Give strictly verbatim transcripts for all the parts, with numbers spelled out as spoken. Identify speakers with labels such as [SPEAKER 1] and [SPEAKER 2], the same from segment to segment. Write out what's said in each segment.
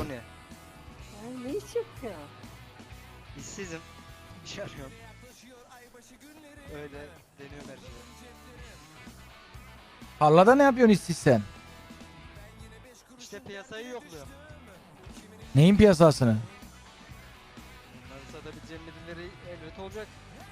[SPEAKER 1] ne?
[SPEAKER 2] Ya, ne iş yapıyor?
[SPEAKER 1] İşsizim. İş arıyorum. Öyle deniyorum her şey.
[SPEAKER 3] Tarlada ne yapıyorsun işsiz sen?
[SPEAKER 1] İşte piyasayı yokluyorum.
[SPEAKER 3] Neyin piyasasını?
[SPEAKER 1] Bunları satabileceğim birileri elbet olacak.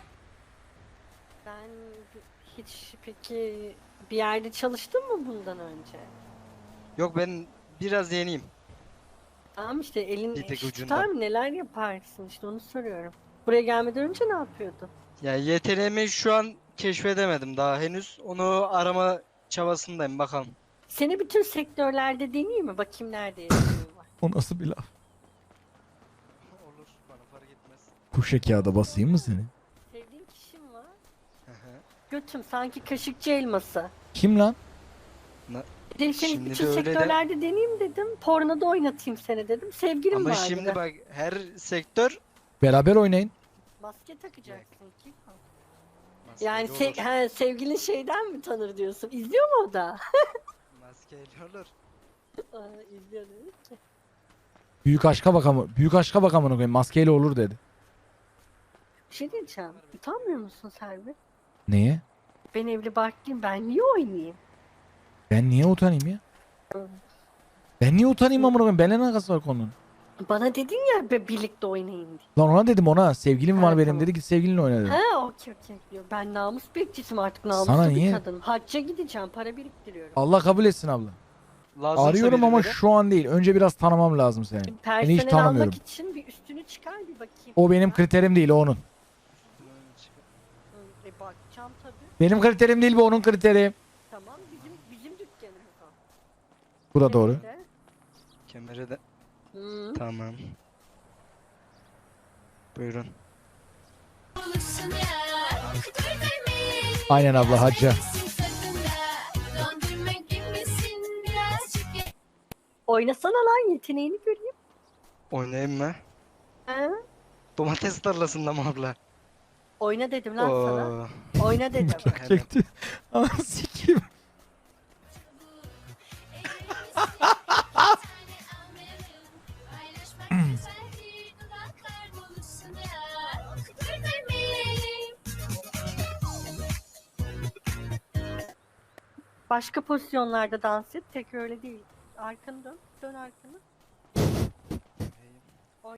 [SPEAKER 2] Sen hiç peki bir yerde çalıştın mı bundan önce?
[SPEAKER 1] Yok, ben biraz yeniyim.
[SPEAKER 2] Tamam işte elin
[SPEAKER 1] Bir tek
[SPEAKER 2] iş
[SPEAKER 1] ucundan.
[SPEAKER 2] tutar mı? Neler yaparsın işte onu soruyorum. Buraya gelmeden önce ne yapıyordun?
[SPEAKER 1] Ya yeteneğimi şu an keşfedemedim daha henüz. Onu arama çabasındayım, bakalım.
[SPEAKER 2] Seni bütün sektörlerde deneyeyim mi? Bakayım nerede yeteneğin var.
[SPEAKER 3] O nasıl bir laf?
[SPEAKER 1] Olur, bana fark etmez.
[SPEAKER 3] Kuşa kağıda basayım mı seni?
[SPEAKER 2] Sevdiğin kişim var.
[SPEAKER 1] Hı hı.
[SPEAKER 2] Götüm sanki kaşıkçı elması.
[SPEAKER 3] Kim lan?
[SPEAKER 2] Dedim seni
[SPEAKER 1] Şimdi
[SPEAKER 2] bütün
[SPEAKER 1] de öyle de-
[SPEAKER 2] sektörlerde deneyeyim dedim. Pornoda oynatayım seni dedim. Sevgilim
[SPEAKER 1] Ama
[SPEAKER 2] vardı.
[SPEAKER 1] şimdi bak, her sektör
[SPEAKER 3] Beraber oynayın.
[SPEAKER 2] Maske takacaksın ki.
[SPEAKER 1] maskeli
[SPEAKER 2] Yani
[SPEAKER 1] olur.
[SPEAKER 2] se- he, sevgilin şeyden mi tanır diyorsun? İzliyor mu o da?
[SPEAKER 1] Maskeli olur.
[SPEAKER 2] Aa, İzliyor dedi ki.
[SPEAKER 3] Büyük aşka bakamı. Büyük aşka bakamını koyayım. Maskeyle olur dedi.
[SPEAKER 2] Bir şey diyeceğim. Utanmıyor musun Serbi?
[SPEAKER 3] Neye?
[SPEAKER 2] Ben evli barklıyım. Ben niye oynayayım?
[SPEAKER 3] Ben niye utanayım ya? Ben niye utanayım amına koyayım? Benimle ne alakası var konunun?
[SPEAKER 2] Bana dedin ya be, birlikte oynayın diye.
[SPEAKER 3] Lan ona dedim ona. Sevgilim var
[SPEAKER 2] Ha,
[SPEAKER 3] benim
[SPEAKER 2] tamam.
[SPEAKER 3] dedi. Git sevgilinle oyna dedi.
[SPEAKER 2] Ha okey okey diyor. Ben namus bekçisiyim artık, namuslu
[SPEAKER 3] Sana
[SPEAKER 2] bir
[SPEAKER 3] niye?
[SPEAKER 2] kadınım. Hacca gideceğim, para biriktiriyorum.
[SPEAKER 3] Allah kabul etsin abla.
[SPEAKER 1] Lazımsa
[SPEAKER 3] Arıyorum ama
[SPEAKER 1] birileri.
[SPEAKER 3] şu an değil. Önce biraz tanımam lazım seni. Beni hiç
[SPEAKER 2] Personel
[SPEAKER 3] tanımıyorum.
[SPEAKER 2] almak için bir üstünü çıkar bir bakayım.
[SPEAKER 3] O benim
[SPEAKER 2] Ha?
[SPEAKER 3] kriterim değil, o onun.
[SPEAKER 2] Hı, E bakacağım tabii.
[SPEAKER 3] Benim kriterim değil, bu onun kriteri.
[SPEAKER 2] Tamam, bizim bizim dükkanımız o.
[SPEAKER 3] Bu da doğru.
[SPEAKER 2] Nerede?
[SPEAKER 1] Kemere de.
[SPEAKER 2] Hı.
[SPEAKER 1] Tamam. Buyurun.
[SPEAKER 3] Aynen abla, hacca.
[SPEAKER 2] Oynasana lan, yeteneğini göreyim.
[SPEAKER 1] Oynayayım mı?
[SPEAKER 2] Ha?
[SPEAKER 1] Domates tarlasında mı abla?
[SPEAKER 2] Oyna dedim lan sana.
[SPEAKER 1] Oo.
[SPEAKER 2] Oyna dedim.
[SPEAKER 1] Hemen.
[SPEAKER 3] Çekti. Anam sikeyim.
[SPEAKER 2] Başka pozisyonlarda dans et. Tek öyle değil. Arkanı dön. Dön arkanı.